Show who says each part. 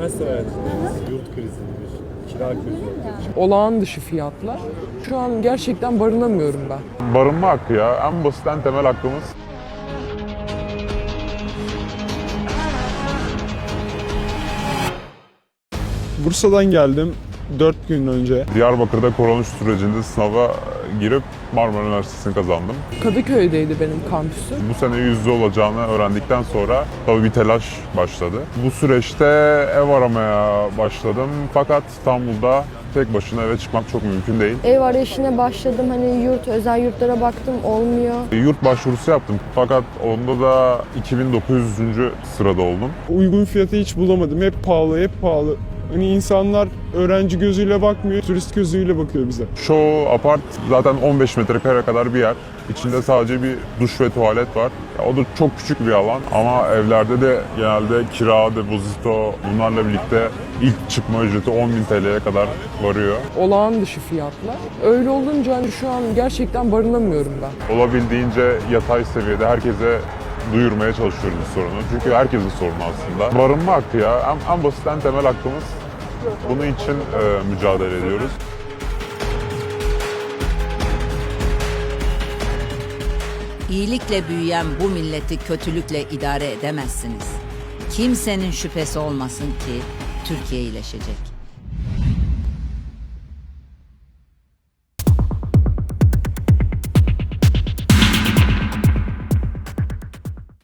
Speaker 1: Üniversite öğrencisiniz, yurt krizidir, kira krizi ortaya çıktı.
Speaker 2: Olağan dışı fiyatlar. Şu an gerçekten barınamıyorum ben.
Speaker 3: Barınma hakkı ya. En basit, en temel hakkımız.
Speaker 4: Bursa'dan geldim 4 gün önce.
Speaker 3: Diyarbakır'da koronavirüs sürecinde sınava girip Marmara Üniversitesi'ni kazandım.
Speaker 2: Kadıköy'deydi benim kampüsüm.
Speaker 3: Bu sene yüzde olacağını öğrendikten sonra tabii bir telaş başladı. Bu süreçte ev aramaya başladım. Fakat İstanbul'da tek başına eve çıkmak çok mümkün değil.
Speaker 5: Ev arayışına başladım. Hani özel yurtlara baktım, olmuyor.
Speaker 3: Yurt başvurusu yaptım. Fakat onda da 2900. sırada oldum.
Speaker 4: Uygun fiyatı hiç bulamadım. Hep pahalı, hep pahalı. Hani insanlar öğrenci gözüyle bakmıyor, turist gözüyle bakıyor bize.
Speaker 3: Çoğu apart zaten 15 metrekare kadar bir yer. İçinde sadece bir duş ve tuvalet var. O da çok küçük bir alan ama evlerde de genelde kira, depozito bunlarla birlikte ilk çıkma ücreti 10.000 TL'ye kadar varıyor.
Speaker 2: Olağan dışı fiyatlar. Öyle olunca hani şu an gerçekten barınamıyorum ben.
Speaker 3: Olabildiğince yatay seviyede herkese duyurmaya çalışıyoruz bu sorunu. Çünkü herkesin sorunu aslında. Barınma hakkı ya. En basit, en temel hakkımız. Bunun için mücadele ediyoruz.
Speaker 6: İyilikle büyüyen bu milleti kötülükle idare edemezsiniz. Kimsenin şüphesi olmasın ki Türkiye iyileşecek.